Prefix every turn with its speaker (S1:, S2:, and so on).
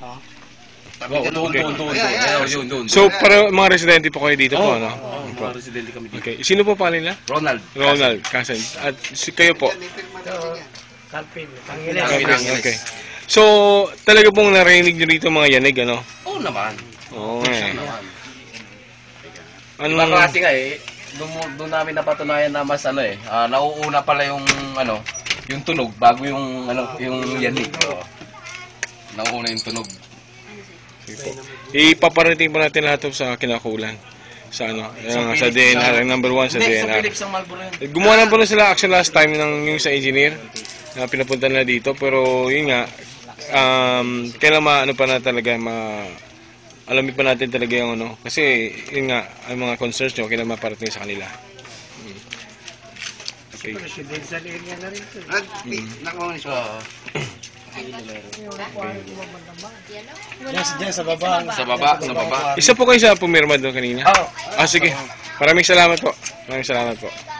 S1: Doon.
S2: So, para mga residente po kayo dito po, no?
S1: Mga residente kami dito.
S2: Okay. Sino po pala nila?
S1: Ronald.
S2: Ronald, Kasan. At kayo po?
S3: Kalpin.
S2: Okay. So, talaga pong narinig nyo rito mga yanig, ano?
S1: Oo naman.
S2: Oo nga.
S1: Ibang klase nga eh. Doon namin napatunayan na mas nauuna pala yung yung tunog bago yung yung yanig. Nauuna yung tunog.
S2: Ipaparating po natin lahat sa kinakulan. Sa sa DNR, ang number 1 sa DNR.
S1: Philips ang Marlboro yun.
S2: Gumawa na po na sila action last time ng yung sa engineer na pinapunta na dito, pero yun nga, kailan pa na talaga alamin pa natin talaga yung kasi yun nga, ang mga concerns nyo, kailan maparating sa kanila. Okay.
S3: Residential area na rin ito. Diyan sa baba.
S1: Sa baba.
S2: Isa po kayo sa pumirma doon kanina? Sige. Maraming salamat po.